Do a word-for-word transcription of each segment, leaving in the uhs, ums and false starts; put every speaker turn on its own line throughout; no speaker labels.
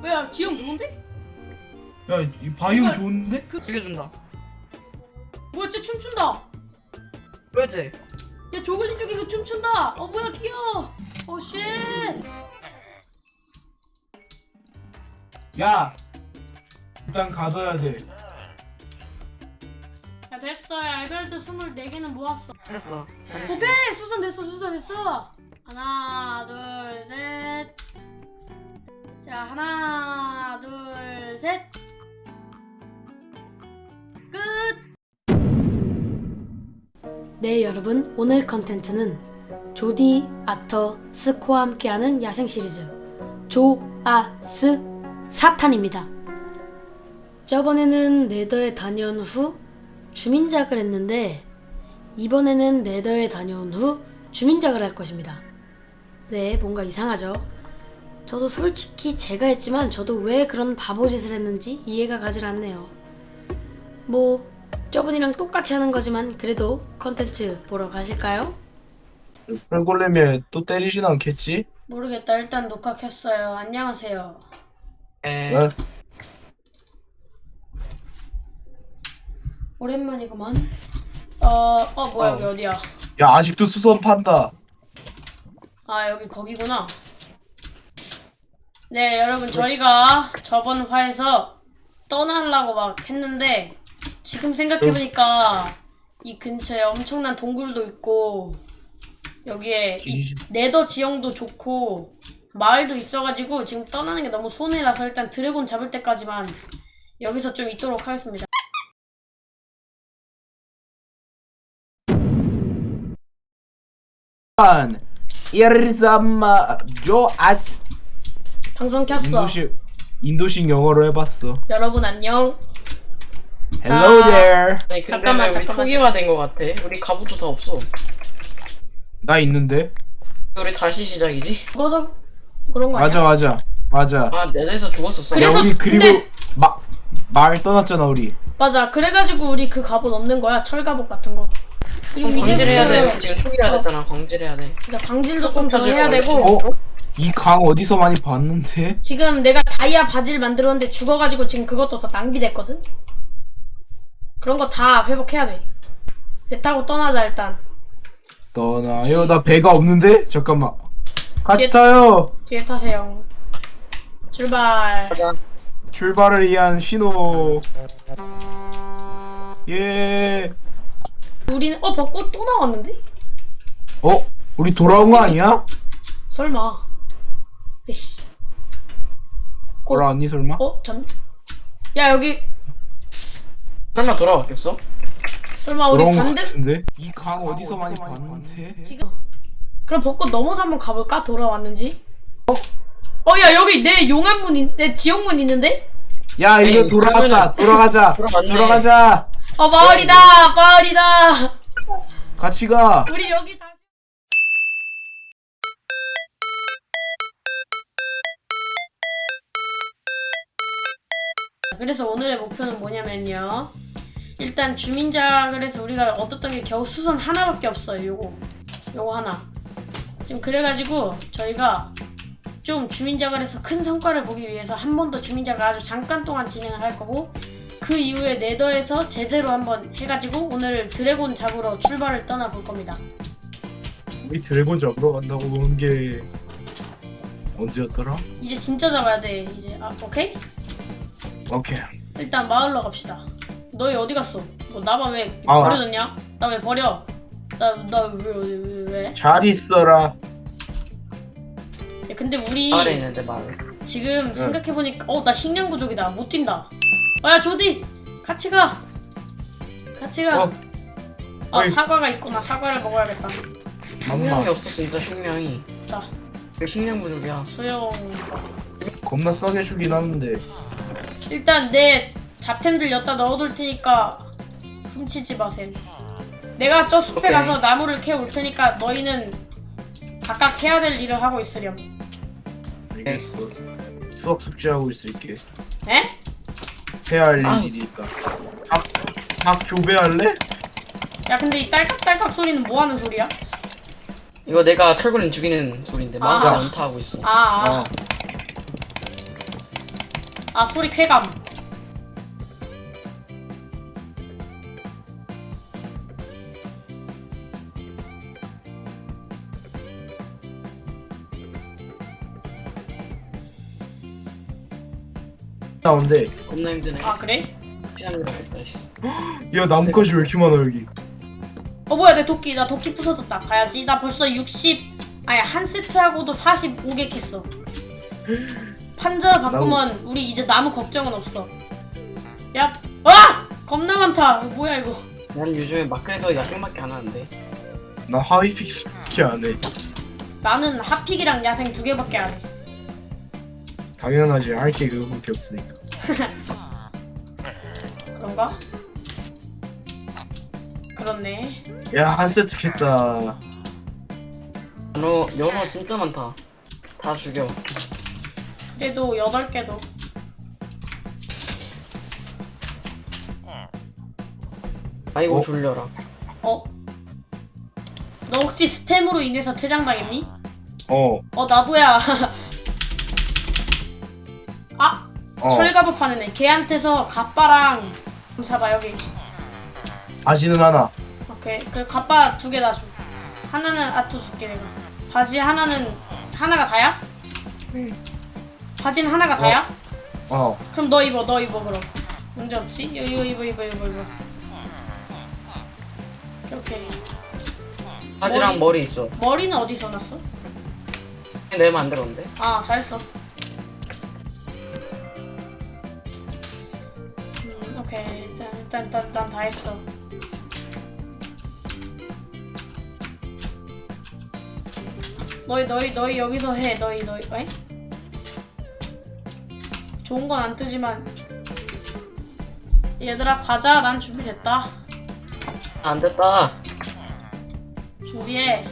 야 지형 좋은데?
야, 이 바이오 좋은데?
그
죽여준다.
뭐야 쟤 춤춘다.
왜지?
야 조글린 쪽이 그 춤춘다. 어 뭐야 귀여워. 오 쉣.
야, 일단 가둬야 돼.
야 됐어. 야 에메랄드 스물네 개는 모았어.
됐어.
오케이 수선 됐어 수선 됐어. 하나 둘 셋. 자 하나 둘 셋. 끝. 네 여러분 오늘 컨텐츠는 조디, 아터, 스코와 함께하는 야생 시리즈 조아스 사탄입니다. 저번에는 네더에 다녀온 후 주민작을 했는데 이번에는 네더에 다녀온 후 주민작을 할 것입니다. 네, 뭔가 이상하죠? 저도 솔직히 제가 했지만 저도 왜 그런 바보짓을 했는지 이해가 가질 않네요. 뭐 저번이랑 똑같이 하는 거지만 그래도 컨텐츠 보러 가실까요?
펄골렘에 또 때리진 않겠지?
모르겠다. 일단 녹화 켰어요. 안녕하세요.
에.
어?
오랜만이구만. 어, 어 뭐야
어.
여기 어디야?
야, 아직도 수선 판다.
아 여기 거기구나. 네 여러분 저희가 저번 화에서 떠나려고 막 했는데 지금 생각해보니까 이 근처에 엄청난 동굴도 있고 여기에 이 네더 지형도 좋고 마을도 있어가지고 지금 떠나는 게 너무 손해라서 일단 드래곤 잡을 때까지만 여기서 좀 있도록 하겠습니다.
이르삼마 조아
방송 켰어.
인도식 인도식 영어로 해봤어.
여러분 안녕.
Hello
자,
there.
아니 근데
잠깐만,
왜 우리
잠깐만.
초기화된 것 같아? 우리 갑옷도 다 없어.
나 있는데.
우리 다시 시작이지?
죽어서 그런 거 아니야?
맞아, 맞아, 맞아.
아 내에서 죽었었어.
그래서-
야, 우리 그리고
근데-
마 마을 떠났잖아 우리.
맞아. 그래가지고 우리 그 갑옷 없는 거야. 철갑옷 같은 거. 그리고
그럼 광질해야 돼.
이제부터
지금 초기화 됐잖아. 광질해야 돼.
이제 광질도 좀 더 해야 되고
어? 이 강 어디서 많이 봤는데?
지금 내가 다이아 바지를 만들었는데 죽어가지고 지금 그것도 다 낭비됐거든? 그런 거 다 회복해야 돼. 배 타고 떠나자 일단.
떠나요. 나 배가 없는데? 잠깐만. 같이
뒤에-
타요.
뒤에 타세요. 출발.
가자.
출발을 위한 신호. 예.
우리는 어 벚꽃 또 나왔는데?
어? 우리 돌아온 거 아니야?
설마. 이씨. 꽃.
돌아왔니 설마?
어? 잠. 야 여기
설마 돌아왔겠어?
설마 우리
돌아온 거
반대
같은데? 이 강 어디서 많이 봤는데?
지금 그럼 벚꽃 넘어서 한번 가볼까? 돌아왔는지? 어? 어 야 여기 내 용암문 있, 내 지역문 있는데?
야 이거
에이,
돌아왔다.
그러면은-
돌아가자.
돌아왔네.
돌아가자.
어 마을이다 마을이다.
같이 가.
우리 여기 다. 그래서 오늘의 목표는 뭐냐면요. 일단 주민작을 해서 우리가 얻었던 게 겨우 수선 하나밖에 없어요. 요거 요거 하나. 지금 그래가지고 저희가 좀 주민작을 해서 큰 성과를 보기 위해서 한 번 더 주민작을 아주 잠깐 동안 진행을 할 거고 그 이후에 네더에서 제대로 한번 해가지고 오늘 드래곤 잡으러 출발을 떠나볼 겁니다.
우리 드래곤 잡으러 간다고 온 게 언제였더라?
이제 진짜 잡아야 돼. 이제 아 오케이?
오케이.
일단 마을로 갑시다. 너희 어디 갔어? 뭐 나만 왜
아.
버려졌냐? 나 왜 버려? 나나왜 왜, 왜?
잘 있어라.
야, 근데 우리
마을에 있는데 마을.
지금
네.
생각해보니까 어 나 식량 부족이다. 못 뛴다. 아야 조디 같이 가. 같이 가.
어.
아
어이.
사과가 있구나. 사과를 먹어야겠다.
식량이
맘마.
없어 진짜 식량이.
자
그 식량 부족이야.
수영.
겁나 싸게 주긴 하는데.
일단 내 잡템들 여기다 넣어둘 테니까 훔치지 마셈. 내가 저 숲에
오케이.
가서 나무를 캐올 테니까 너희는 각각 해야 될 일을 하고 있으렴.
알겠어. 수학 숙제하고 있을게.
에?
해야 할
아.
일이 있다. 닭, 닭 교배할래?
야 근데 이 딸깍딸깍 소리는 뭐 하는 소리야?
이거 내가 철거린 죽이는 소리인데
아.
마우스 연타하고 있어.
아, 아.
어.
아 소리 쾌감.
나온데.
겁나 힘드네.
아 그래?
시간 들었겠다. 씨.
야 나뭇가지 왜 이렇게 많아 여기?
어 뭐야 내 도끼 나 도끼 부서졌다. 가야지. 나 벌써 육십 아니 한 세트하고도 사십오 개 캤어. 판자 바꾸면 우리 이제 나무 걱정은 없어. 야, 와! 겁나 많다. 이거 뭐야 이거?
난 요즘에 마크에서 야생밖에 안 하는데.
나 하위 픽스밖에 안 해.
나는 핫픽이랑 야생 두 개밖에 안 해.
당연하지. 할 게 그거밖에 없으니까.
그런가? 그렇네.
야 한 세트 캤다.
연어 연어 진짜 많다. 다 죽여.
그래도 여덟 개도.
아이고
어?
졸려라.
어? 너 혹시 스팸으로 인해서 퇴장당했니?
어.
어 나도야. 아!
어.
철갑을 파는 애. 걔한테서 갑바랑 좀 사봐 여기.
바지는 하나.
오케이. 그 갑바 두 개 다 줘. 하나는 아토 줄게 내가. 바지 하나는 하나가 다야?
응.
바지는 하나가 다야?
어.
그럼 너 입어 너 입어 그럼. 문제 없지? 이거 이거 입어 입어 입어 입어. 오케이.
바지랑
머리.
머리, 있어.
머리는 어디서 났어?
내가 만들었는데.
아 잘했어. 음 오케이 일단 일단 일단, 일단 다 했어. 너희 너희 너희 여기서 해 너희 너희 어이? 좋은 건 안 뜨지만 얘들아 가자. 난 준비됐다.
안 됐다.
준비해.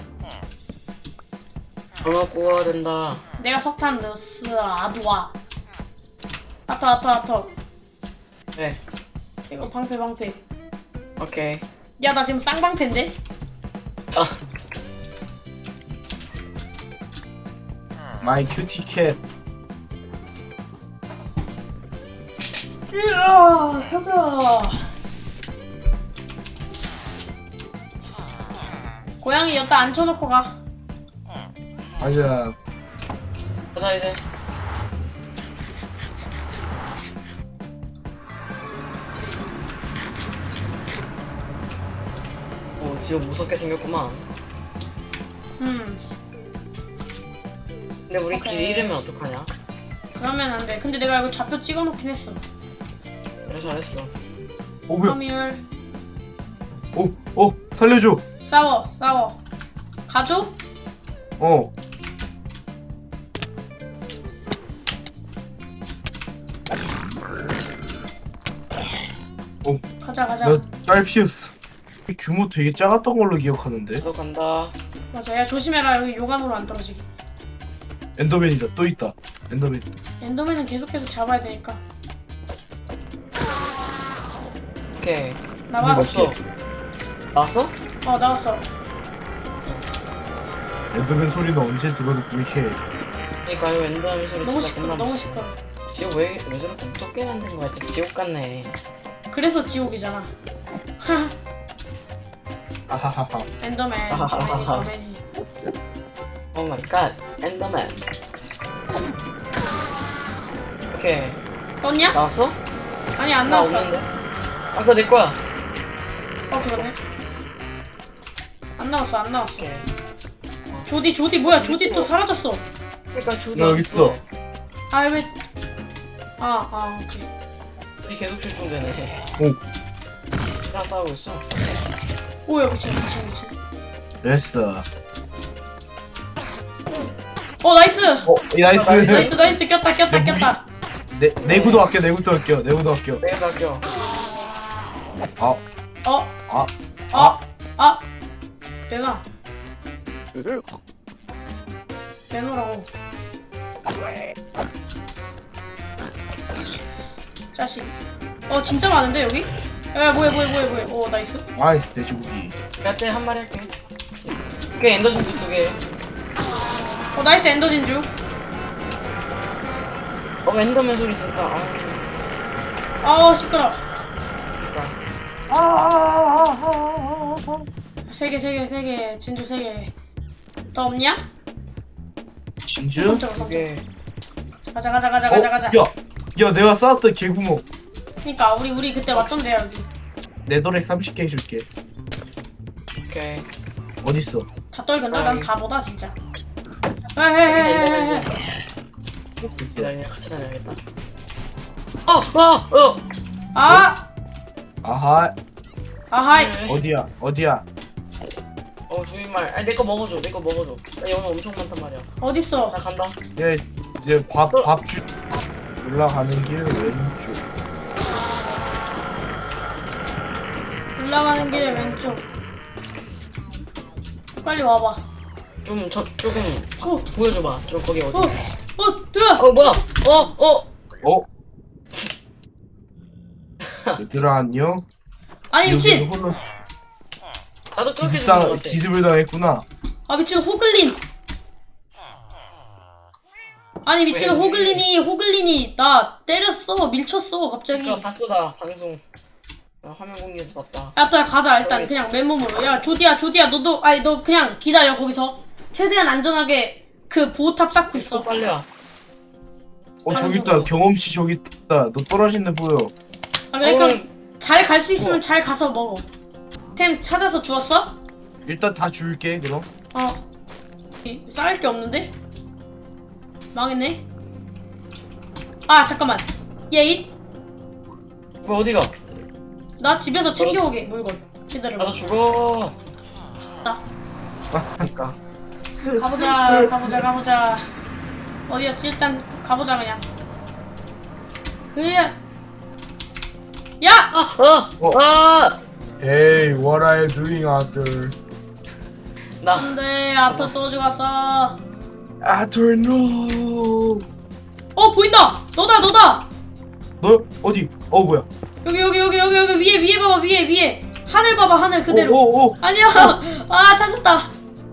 전화 구워야 된다.
내가 석탄 넣었어. 아두와. 아터 아터 아터.
네.
이거 방패 방패.
오케이.
야 나 지금 쌍방패인데?
아.
마이 큐티 캣.
으아 가자. 고양이 여기다 앉혀놓고 가.
맞아.
가자 이제. 오 지금 무섭게 생겼구만.
음
근데 우리 길
오케이.
잃으면 어떡하냐?
그러면 안돼. 근데 내가 이거 좌표 찍어놓긴 했어.
그래 잘했어.
오 뭐야?
섬유율.
오, 오 살려줘.
싸워 싸워. 가족?
어. 오,
가자 가자.
나딸 피웠어. 이 규모 되게 작았던 걸로 기억하는데.
나도 간다.
맞아. 야 조심해라. 여기 용암으로 안 떨어지게.
엔더맨이다. 또 있다. 엔더맨.
엔더맨은 계속해서 잡아야 되니까.
오케이.
나왔어.
없어. 나왔어?
어 나왔어.
엔더맨 소리는 언제 들어도 불쾌해.
그러니까 이거 엔더맨 소리
너무
진짜
시끄러.
겁나
너무
무서워.
시끄러.
지금 왜, 왜 저렇게 무섭게 만든 거야? 진짜 지옥 같네.
그래서 지옥이잖아.
아하하하.
엔더맨. 엔더맨이.
오 마이 갓. 엔더맨. 오케이.
떴냐?
나왔어?
아니 안
나
나왔어.
없는데? 아 그거 내 거야.
어 그러네. 안 나왔어 안 나왔어.
오케이.
조디 조디 뭐야? 조디 또 사라졌어.
그러니까 조디
나 여기 있어.
아 왜? 아 아 오케이.
우리 계속 출동되네.
오.
나 싸우고 있어.
오야 미친 미친 미친.
됐어.
어 나이스.
어, 이 나이스.
나이스.
나이스 나이스 꼈다 꼈다 꼈다.
내 내구도 아껴. 내구도 아껴. 내구도 아껴.
내가 갈게요.
아,
어?
아,
아? 아? 내놔. 내놓으라고. 자식. 어 진짜 많은데 여기? 야 뭐야 뭐야 뭐야 뭐야. 오 나이스.
나이스 돼지고기.
내가 때 한 마리 할게. 오케이 엔더진주 두 개.
어 나이스 엔더 진주.
어 어 엔더맨 소리 진짜. 아,
아우 시끄러.
그러니까.
세 개, 세 개, 세 개. 진주 세 개. 더 없냐?
진주?
깜짝아, 깜짝아.
그게
가자, 가자, 가자, 가자, 가자.
어? 야, 야 내가 쌓았던 개구멍.
그니까 우리 우리 그때 왔던데 여기.
네더렉 삼십 개 해줄게.
오케이.
어딨어?
다 떨근다.
아이.
난 바보다 진짜. 헤헤헤헤헤.
됐어.
기다려 같이 다녀야겠다. 어, 어, 어.
아,
아하.
아하이.
네.
어디야? 어디야?
어 주인말. 아니 내 거 먹어줘. 내 거 먹어줘. 나 연어 엄청 많단 말이야.
어딨어?
나 간다.
얘 이제 밥
어.
밥 주. 올라가는 길 왼쪽.
올라가는 길에 왼쪽. 빨리 와봐.
좀 저 조금
어,
보여줘봐. 저 거기 어디?
어, 어, 들어.
어 뭐야? 어, 어.
어? 얘들아 안녕?
아니 미친.
여기는 홀로
나도 그렇게
기습
죽은 것
당
같아.
기습을 당했구나.
아 미친 호글린. 아니 미친
왜, 왜?
호글린이 호글린이 나 때렸어. 밀쳤어 갑자기.
그거 봤어 나 방송. 나 화면 공유해서 봤다.
야, 또 가자 일단 그냥 맨몸으로. 야 조디야 조디야 너도 아니 너 그냥 기다려 거기서. 최대한 안전하게 그 보호탑 쌓고
있어
있어.
빨리 와.
어
하는
저기 있다.
소리.
경험치 저기 있다. 너 떨어진 데 보여.
아 그래 그럼
어,
잘 갈 수 있으면
뭐?
잘 가서 먹어. 템 찾아서 주웠어?
일단 다 줄게 그럼.
어. 이- 쌓을 게 없는데? 망했네. 아 잠깐만. 얘
뭐 어디가?
나 집에서 챙겨오게 물건. 기다려봐.
나도 죽어.
나
그러니까.
가보자 가보자 가보자. 어디였지? 일단 가보자 그냥. 그냥. 야!
아, 어,
어.
아.
Hey, what are you doing out there?
나
안돼 아토 또 죽었어.
Arthur, no.
어 보인다. 너다 너다.
너 어디? 어 뭐야?
여기 여기 여기 여기 여기 위에 위에 봐봐 위에 위에 하늘 봐봐 하늘 그대로.
오, 오, 오.
아니야. 아 찾았다.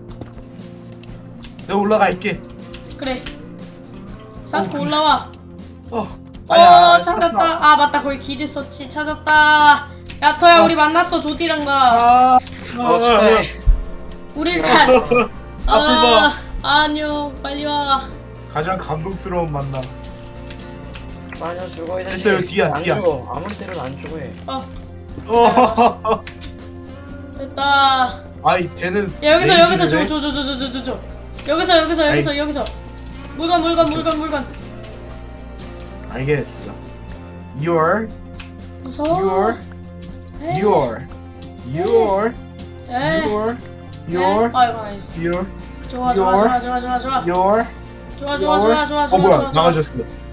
내가 올라갈게.
그래. 쌓고
어,
올라와.
어.
어 찾았다. 아 맞다 거기 길 있었지. 찾았다. 야토야
어.
우리 만났어 조디랑 나.
아.
어 축하해.
우리 일단.
앞을
아
봐.
안녕 빨리 와.
가장 감동스러운 만남.
마녀 죽어 이 자식.
됐어요, 뒤야,
안
뒤야.
죽어. 아무리 때려도 안 죽어 얘.
어
어.
됐다.
아이 쟤는.
야 여기서
레이지를
여기서
해?
줘 줘 줘 줘 줘 줘 줘. 여기서 여기서 여기서 여기서. 물건 물건 물건 물건.
알겠어. You're,
무서워.
you're,
에이.
you're, you're,
에이.
you're,
에이.
you're,
아 이거 아니지.
you're,
좋아 좋아 좋아 좋아 좋아 좋아.
you're.
좋아 좋아 좋아 좋아
어
좋아
뭐야?
좋아.
나가졌어.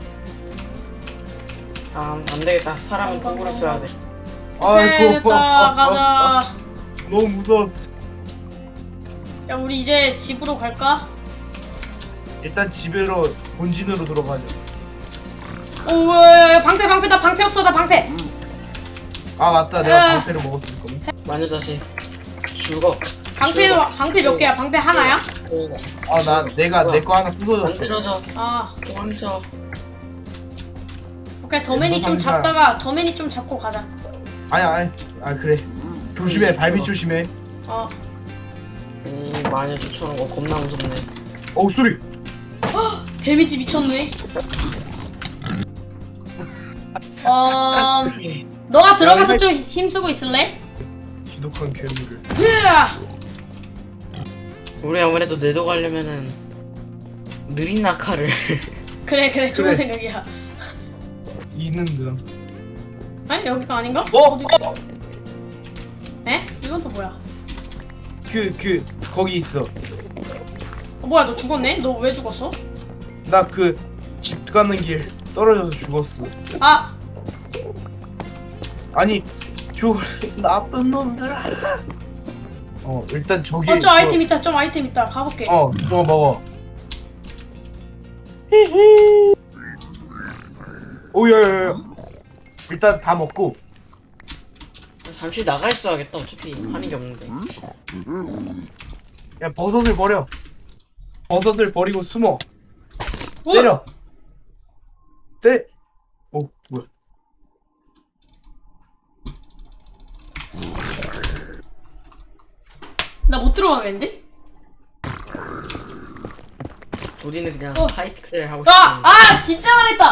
아, 안 되겠다. 사람은 도구를 써야 돼.
오케이
아이고.
됐다 가자.
너무 무서웠어.
야 우리 이제 집으로 갈까?
일단 집으로 본진으로 들어가자.
오 야, 야, 방패 방패 나 방패 없어 나 방패.
아 맞다.
야.
내가 방패를 먹었을 거네.
마녀 자식. 죽어.
방패
죽어.
방패 몇 개야? 방패 하나야?
아 나 내가
뭐야?
내 거 하나 부서졌어.
만들어져.
아
멈춰.
오케이 더맨이 좀
상자.
잡다가 더맨이 좀 잡고 가자.
아니 아니. 아 그래. 조심해. 발밑 조심해.
어
이 마녀 쫓아오는 거 겁나 무섭네.
어우 소리.
데미지 미쳤네. 어 너가 들어가서 좀 힘쓰고 있을래?
지독한 괴물을.
으아!
우리 아무래도 내도 가려면은 느린 낙하를.
그래 그래 좋은
그래.
생각이야.
있는데.
아니 여기가 아닌가?
어?
어디? 에? 이건 또 뭐야?
그 그 거기 있어.
어, 뭐야 너 죽었네? 너 왜 죽었어?
나 그 집 가는 길 떨어져서 죽었어.
아
아니 저 나쁜 놈들아. 어 일단 저기.
어, 좀 아이템 있다 좀 아이템 있다 가볼게.
어 저거 먹어. 오야야야. 일단 다 먹고.
잠시 나가 있어야겠다. 어차피 하는 게 없는데.
야 버섯을 버려. 버섯을 버리고 숨어.
오!
때려. 때. 어 뭐야?
나 못 들어가겠는데?
우리는 그냥
어.
하이픽셀 하고
아!
싶은데.
아! 진짜 망했다!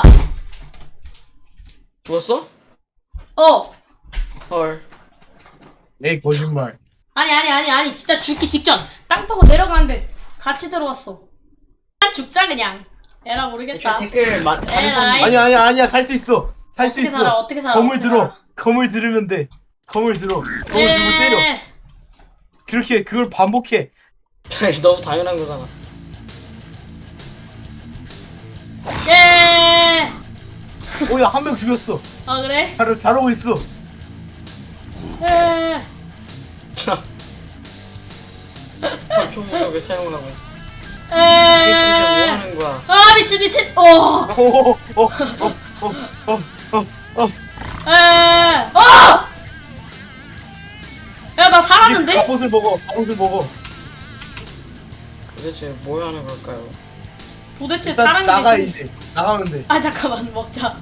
죽었어?
어!
헐.
에이 거짓말.
아니 아니 아니 아니 진짜 죽기 직전 땅 파고 내려가는데 같이 들어왔어. 죽자 그냥. 에라 모르겠다.
애초에 댓글 마,
에라이.
많이
아니야 아니야 아니야 살 수 있어. 살 수
어떻게
있어.
살아 어떻게 살아
검을
어떻게
들어.
살아.
검을 들으면 돼. 검을 들어. 검을 들고 때려.
예.
그렇게 그걸 반복해.
썼는데. 너무 당연한 거잖아.
예.
오야 한 명 죽였어.
아 그래?
잘 잘하고 있어.
예.
총으로 왜 사용을 하고 있어? 이게 진짜 뭐
예.
하는 거야?
아 미친 미친. 어.
오오오오오오오
에. 어. 야 나 살았는데?
갑옷을 먹어. 갑옷을 먹어.
도대체 뭘 하는 걸까요?
도대체
일단
사람이
나가
되신.
이제. 나가면 돼.
아 잠깐만 먹자.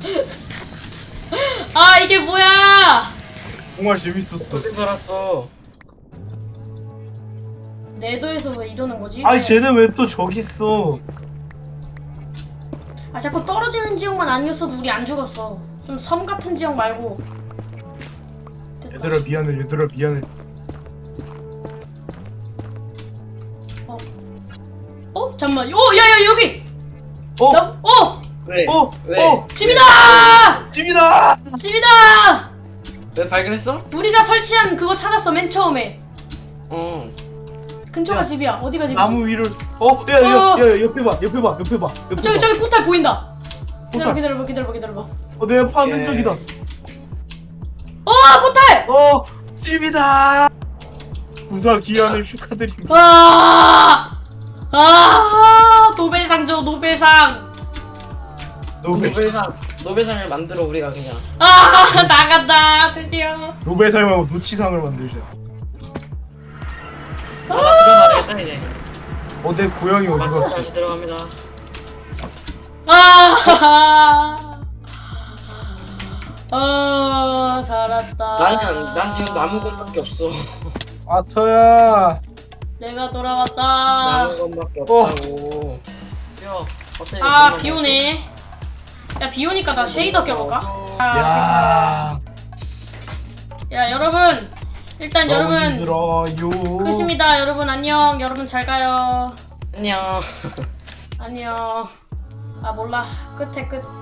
아 이게 뭐야?
정말 재밌었어.
어디 살았어?
내도에서 왜 이러는 거지?
아니 쟤는 왜 또 저기 있어?
아 자꾸 떨어지는 지역만 아니었어도 우리 안 죽었어. 좀 섬 같은 지역 말고. 됐다.
얘들아 미안해. 얘들아 미안해.
어. 어? 잠깐만. 오 야야 여기.
어?
나, 어
왜?
어?
왜?
어?
집이다.
집이다.
집이다.
왜 발견했어?
우리가 설치한 그거 찾았어 맨 처음에.
어.
근처가
야,
집이야. 어디가 집이지?
나무 위를. 어? 야, 야,
어.
야, 야, 옆에 봐. 옆에 봐. 옆에 봐. 옆에
저기
봐.
저기 포탈 보인다. 기다려
포탈.
기다려봐 기다려봐 기다려봐.
어, 내가 파는
예.
쪽이다.
어 포탈.
어, 집이다. 우사 기한을 축하드립니다.
아. 아 노벨상 줘 노벨상.
노벨
노벨상 노벨상을 만들어 우리가 그냥.
아 나간다 드디어.
노벨상 말고 노치상을 만들자.
나가 들어가야겠다 이제.
어, 내 고양이 어디
맞고
갔어?
다시 들어갑니다.
아. 어 살았다.
나는 난 지금 나무건밖에 없어.
아터야.
내가 돌아왔다.
나무건밖에
어.
없다고. 야, 갑자기
아
눈만
비오네. 야 비오니까 나 쉐이더 껴볼까?
야.
야 여러분 일단 여러분
힘들어요.
끝입니다. 여러분 안녕. 여러분 잘 가요.
안녕.
안녕. 아 몰라 끝에 끝.